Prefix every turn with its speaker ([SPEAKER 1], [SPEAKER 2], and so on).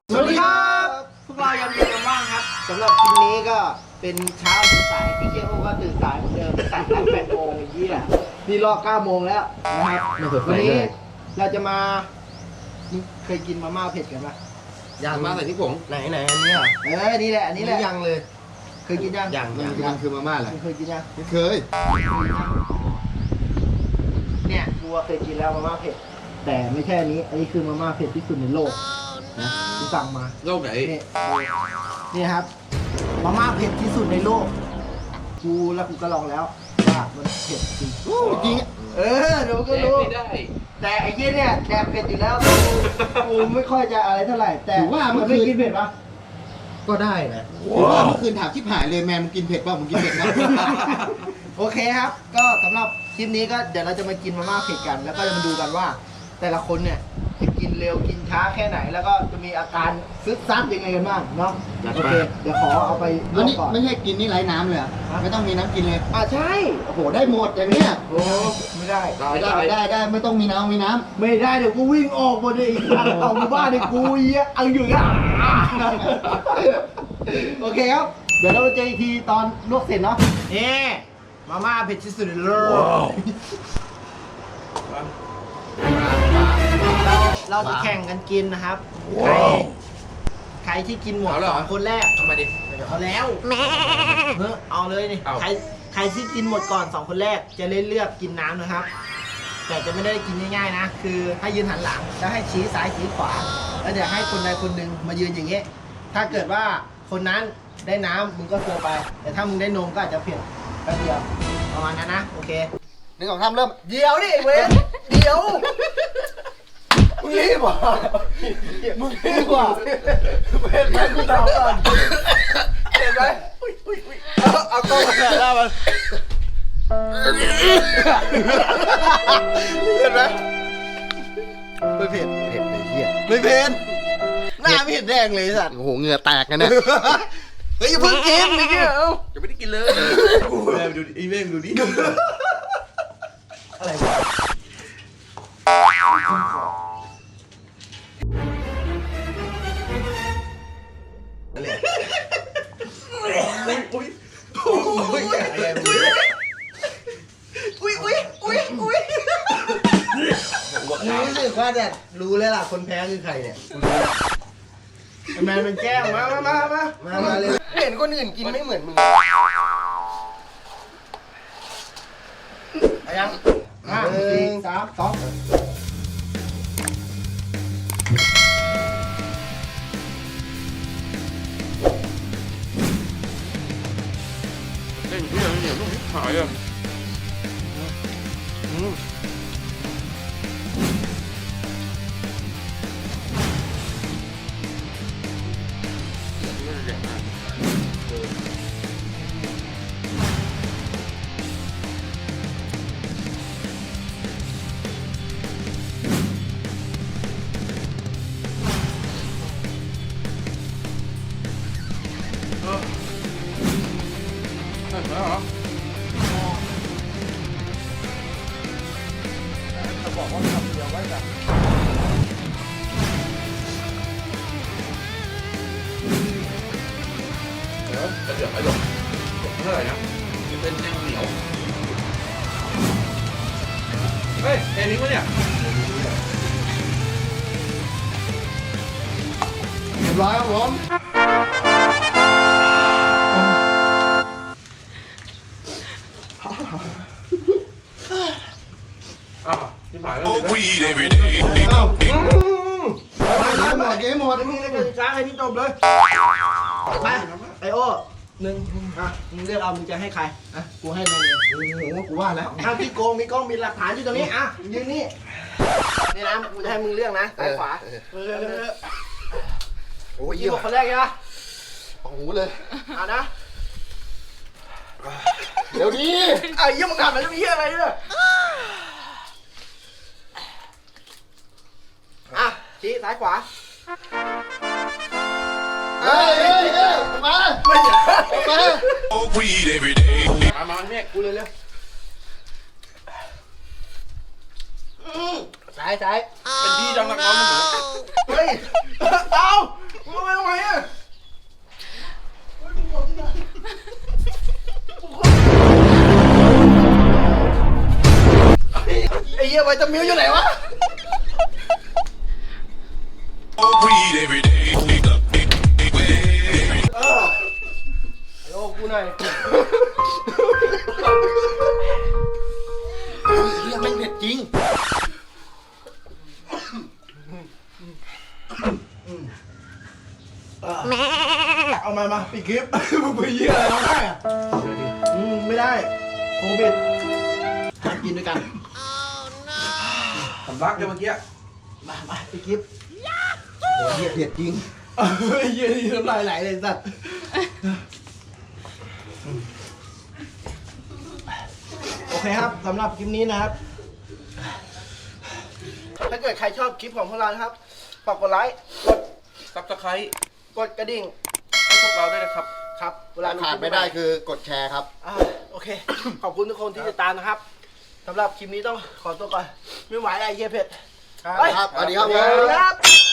[SPEAKER 1] สวัสดีครับพวกเรายังมีกันบ้างครับสำหรับคลิปนี้ก็เป็นเช้าสดใสพี่เคียวก็ตื่นสายเหมือนเดิมตั้งแต่8 โมงไอ้เหี้ยนี่รอ9 โมงแล้วนะครับวันนี้เราจะมาเคยกินมาม่าเผ็ดกันปะ
[SPEAKER 2] ยังมาใส่ที่ผง
[SPEAKER 1] ไหนอันนี้เหรอนี่แหละอันนี้แหละ
[SPEAKER 2] ยังเลย
[SPEAKER 1] เคยกินยัง
[SPEAKER 2] ยังคือมาม่าแหละ
[SPEAKER 1] เคยกินยัง
[SPEAKER 2] ไม่เคย
[SPEAKER 1] เนี่ยกูเคยกินแล้วมาม่าเผ็ดแต่ไม่ใช่อันนี้คือมาม่าเผ็ดที่สุดในโลกนะกูสั่งมา
[SPEAKER 2] โลกไหน
[SPEAKER 1] นี่ครับมาม่าเผ็ดที่สุดในโลกกูก็ลองแล้วว่ามันเผ็ดจริง
[SPEAKER 2] จริง
[SPEAKER 1] เดี๋ยวก็รู้
[SPEAKER 2] ไม่ได้
[SPEAKER 1] แต่ไอ้เหี้ยเนี่ยแดกเผ็ดอยู่แล้วกูไม่ค่อยจะอะไรเท่าไหร่แต่
[SPEAKER 2] ถือว่ามัน
[SPEAKER 1] ไม่กินเผ็ดปะ
[SPEAKER 2] ก็ได้นะถือว่าเมื่อคืนถามชิบหายเลยแมนมึงกินเผ็ดเปล่ามึงกินเผ็ดนะ
[SPEAKER 1] โอเคครับ ก็สำหรับคลิปนี้ก็เดี๋ยวเราจะมากินมาม่าเผ็ดกัน แล้วก็จะมาดูกันว่า แต่ละคนเนี่ยจะกินเร็วกินช้าแค่ไหน แล้วก็จะมีอาการซึดซัดยังไงกันบ้างเนาะโอเคเดี๋ยวขอเอาไปล
[SPEAKER 2] อัน
[SPEAKER 1] วก
[SPEAKER 2] นี้
[SPEAKER 1] ก่อน
[SPEAKER 2] ไม่ใช่กินนี่ไร้น้ำเลยอะไม่ต้องมีน้ำกินเลย
[SPEAKER 1] ใช่
[SPEAKER 2] โอ้โหได้หมดอย่างเนี้ย
[SPEAKER 1] โอ้ไม่ได้
[SPEAKER 2] ได้ไม่ต้องมีน้ำ
[SPEAKER 1] ไม่ได้เดี๋ยวกูวิ่งออกหมดเลยอีกทางออกมาบ้านเนี่ยกูเหี้ยเอาอยู่อ่ะโอเคครับ เดี๋ยวเราเจออีกทีตอนลวกเสร็จเนาะนี่มาม่าเผ็ดที่สุดในโลกเราจะแข่งกันกินนะครับใครที่กินหมด2 คนแรก
[SPEAKER 2] เอามาดิ
[SPEAKER 1] เอาแล้วเอาเลยนี่ใครที่กินหมดก่อน2 คนแรกจะเลือกกินน้ำนะครับ แต่จะไม่ได้กินง่ายๆนะ คือให้ยืนหันหลังแล้วให้ชี้ซ้ายชี้ขวา แล้วเดี๋ยวให้คนใดคนหนึ่งมายืนอย่างเงี้ยถ้าเกิดว่าคนนั้นได้น้ำมึงก็โซไป แต่ถ้ามึงได้นมก็อาจจะเผ็ดแป๊บเดียวประมาณนั้นนะโอเค
[SPEAKER 2] หนึ่งสองสามเริ่ม
[SPEAKER 1] เดี๋ยวดิเว้ยเดี๋ยวมึงรีบว่ะมึงรีบว่ะเผ็ดไหมกูถามก่อนเผ็ดไหมเอากล้องมาแถ่หน้ามันเผ็ดไหมไม่เผ็ดเผ็ดเลยเหี้ยไม่เผ็ดหน้าไม่เห็นแดงเลยสัตว์
[SPEAKER 2] โอ้โหเหงื่อแตกกันเนี่ย
[SPEAKER 1] เฮ้ยอย่าเพิ่งกินนี่เอ้า
[SPEAKER 2] จะไม่ได้กินเลย
[SPEAKER 1] แม่ดูดิแม่ดูดิอะไรวะรู้สึกว่าเนี่ยรู้แล้วล่ะคนแพ้คือใครเนี่ยแมนเป็นแกล้งมาเลยเห็นคนอื่นกินไม่เหมือนมึงยัง 1 3 2
[SPEAKER 2] เล่นเพื่อนเหนียวลูกหายอ่ะ
[SPEAKER 1] จะบอกว่าทำเดียวไว้แบบ
[SPEAKER 2] เดี๋ยวไอ้หลงเท่าไหร่นะมันเป็นแนวเหนียวเฮ้ยแค่นี้วะเนี่ย
[SPEAKER 1] เรียบร้อยครับผม
[SPEAKER 2] ที่ผ่านแล้ว
[SPEAKER 3] Smoke weed every day.
[SPEAKER 2] หมดเกมหมด
[SPEAKER 1] มึงจะช้าให้นี่จบเลยไปไอโอ้1มึงเลือกเอามึงจะให้ใครกูให้นายเอง
[SPEAKER 2] โอ้โหกูว่าแล้ว
[SPEAKER 1] พี่โกงมีกล้องมีหลักฐานอยู่ตรงนี้ยืนนี่นี่นะกูจะให้มึงเลือกนะซ้ายขวาเลือก
[SPEAKER 2] โอ้ย
[SPEAKER 1] ยี่บอกคนแรกใช่ปะ
[SPEAKER 2] โอ้โหเลย
[SPEAKER 1] นะ
[SPEAKER 2] เดี๋ยวดี
[SPEAKER 1] ยี่มึงทำอะไรเหี้ยอะไรเนี่ยชี้ซ้ายขวา
[SPEAKER 2] เฮ้ยมา
[SPEAKER 1] ไม่ใช่
[SPEAKER 2] มา
[SPEAKER 3] Smoke weed every day.
[SPEAKER 2] มาเนี่ย
[SPEAKER 1] กูเร็วซ้าย
[SPEAKER 2] เป็นพี่จังนักร้องนะ
[SPEAKER 1] เฮ้ย เอา
[SPEAKER 2] ทำไมอ่ะไอ้เหี้ยไวตามิวอยู่ไหนวะ
[SPEAKER 3] Smoke weed every day.
[SPEAKER 2] โอ้กูหน่อยเหี้ยไม่เผ็ดจริงเอามาปิดคลิปมึงไปเยี่ยอะไรร้องไห้อะไม่ได้โควิดห้ามกินด้วยกัน
[SPEAKER 4] สำลักเลยเมื่อกี้
[SPEAKER 2] มาปิดคลิปโอ้เหี้ยเผ็ดจริงเหี้ยนี่น้ำลายไหลเลยสัตว์โอเคครับสำหรับคลิปนี้นะครับ ถ้าเกิดใครชอบคลิปของพวกเรานะครับฝากกดไลค์กด
[SPEAKER 4] ซับสไครต์
[SPEAKER 2] กดกระดิ่ง
[SPEAKER 4] ให้พวกเราด้วยนะครับ
[SPEAKER 2] ครับเวลา
[SPEAKER 5] ขาดไม่ได้คือกดแชร์ครับ
[SPEAKER 2] โอเค ขอบคุณทุกคนที่ติดตามนะครับสำหรับคลิปนี้ต้องขอตัวก่อน ไม่ไหวแล้วไอ้เหี้ยเผ็ด
[SPEAKER 5] ครับสวัสดีครับ
[SPEAKER 2] สวัสดีครับ